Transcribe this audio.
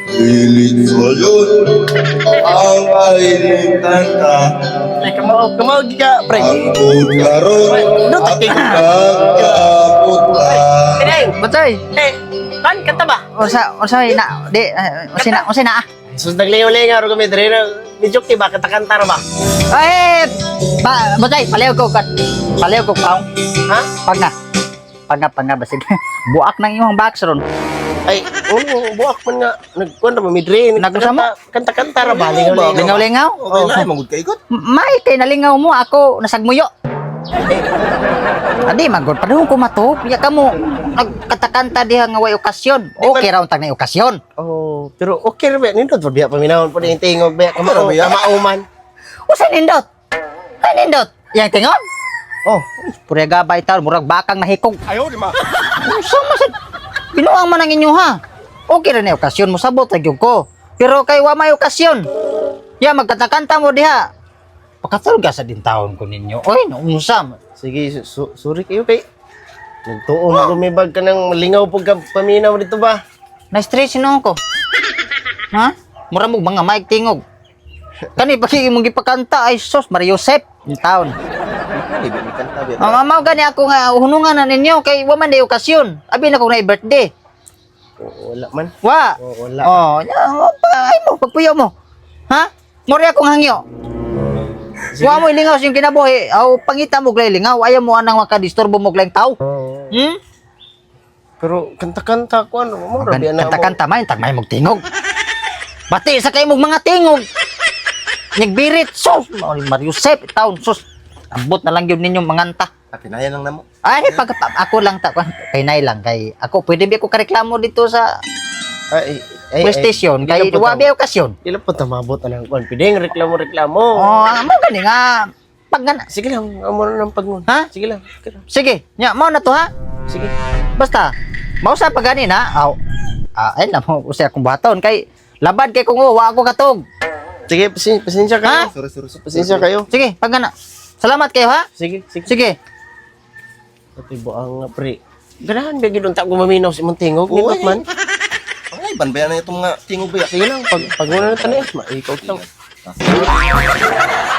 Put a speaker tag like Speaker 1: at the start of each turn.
Speaker 1: Pilit sa'yo ang aling kanta.
Speaker 2: Ay, kamao ka, pre.
Speaker 1: Ang karon at kakaputa.
Speaker 3: Batoy.
Speaker 2: Eh, kan kanta ba?
Speaker 3: Unsa na di unsa na.
Speaker 2: Sus naglingaw-lingaw ro kami dire na medyo ba kanta ba?
Speaker 3: Ay, batoy, palayo ko paong.
Speaker 2: Ha?
Speaker 3: Pag na basin. Buak nang imong box ron.
Speaker 2: Ay, buak man nga nagkuan ra midre.
Speaker 3: Nagusa mo?
Speaker 2: Kanta ra ba? Lingaw-lingaw.
Speaker 3: Lingaw-lingaw.
Speaker 1: Okay lang, magud ka ikot.
Speaker 3: May kay nalingaw mo ako nasagmuyo. Adi magod padung ko mato. Ya kamo nagkatakanta diha nga way okasyon. Okay ra untag na okasyon.
Speaker 2: Oh, pero okay ra ba nindot ba biya paminahon po din tingog ba kamauman.
Speaker 3: Usa nindot? Ay nindot. Yang tingon? Oh, pure gabay taon murag bakang nahikog.
Speaker 1: Ayaw, di ma.
Speaker 3: Unsa masad? Binuang man ang inyo ha. Okay ra na okasyon mo sabot ra gyud ko. Pero kay wa may okasyon. Ya magkatakanta mo diha. Pakatulog ka sa din taon ko ninyo. Oy, unsa?
Speaker 2: Sige, sorry kayo kay nagtuon ko may bag ka nang malingaw pag ka paminaw dito ba?
Speaker 3: Na-stress no ko. Ha? Mura mo mga mic tingog. Kani pagi imong gipakanta ay sos Mario Josep in town.
Speaker 1: Libi ni kanta biya.
Speaker 3: Mamaw gani ako nga hunungan na ninyo kay wa man day okasyon. Abi na ko na birthday.
Speaker 2: Wala man.
Speaker 3: Wa.
Speaker 2: Wala.
Speaker 3: Oh, ay mo pagpuyo mo. Ha? Mori akong hangyo. Wa mo ilingaw sing kinabuhi. Aw pangita mo glay lingaw. Ayaw mo anang makadisturbo mo glayng tao. Hmm?
Speaker 2: Pero kanta-kanta ko ano mo rabi na mo.
Speaker 3: Kanta-kanta may tag may magtingog. Bati sa kay mong mga tingog. Nagbirit sos Mario Josep town sos. Ambot na lang yun ninyong manganta.
Speaker 1: Pinayan lang namo.
Speaker 3: Ay, ako lang kay nay lang kay ako pwede ba ako kareklamo dito sa PlayStation kay wabi okasyon.
Speaker 2: Dila po tamabot anang kuan. Pideng reklamo.
Speaker 3: Oh, amo gani nga pag
Speaker 2: Sige lang, amo na ng pagnon.
Speaker 3: Ha?
Speaker 2: Sige lang.
Speaker 3: sige, nya mao na to ha.
Speaker 2: Sige.
Speaker 3: Basta mao sa pag gani na. Aw. Ay na mo usay akong baton kay labad kay kung wa ako katog.
Speaker 2: Sige, pasensya kayo.
Speaker 1: Sorry.
Speaker 2: Pasensya kayo.
Speaker 3: Sige, pag gana. Salamat kayo ha.
Speaker 2: Sige.
Speaker 3: Sige.
Speaker 2: Pati buang nga pre. Ganahan ba gidunta ko maminaw si Montingog ni man.
Speaker 1: Ay, banbayan na itong nga tingog biya.
Speaker 2: Sige lang, pag muna na tanis, maikaw lang.